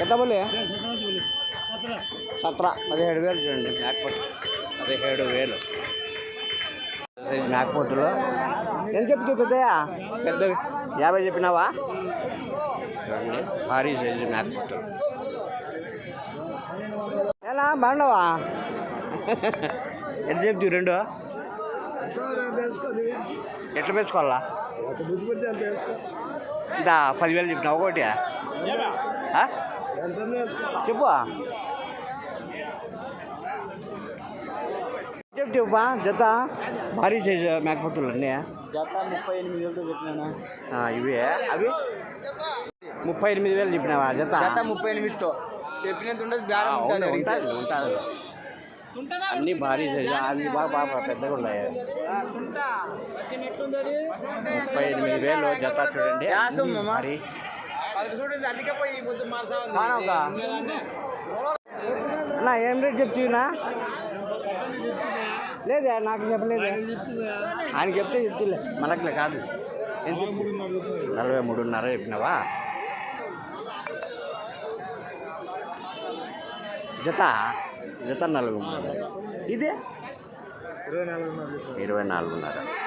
ఎంత బోలే 17,000 చూడండి మేకపోతు 17,000 మేకపోతులు. ఎంత చెప్తావు పెద్దయా? పెద్ద 50 చెప్పినావా? చూడండి భారీ సైజు మేకపోతులు. ఎలా బాగున్నావా? ఎంత చెప్తావు రెండు? ఎట్లా పెంచుకోవాలా? ఇంత 10,000 చెప్పినావు ఒకటి చెప్పు. చెప్పా జత భారీ సైజు మేకపోతులు అన్నీ జత 38,000 చెప్పినా. ఇవి అవి 38,000 చెప్పినావా జత? 38తో చెప్పినంత ఉండదు. ఉంటుంది అన్నీ భారీ సైజు, అన్ని బాగా పెద్దగా ఉన్నాయి. 38,000 జత చూడండి. మరి నా ఏం రేట్ చెప్తున్నా? లేదా నాకు చెప్పలేదు. ఆయన చెప్తే చెప్తులే, మనకులే కాదు. 43.5 చెప్పినావా జత? జత 4. ఇదే 24.5. 24.5.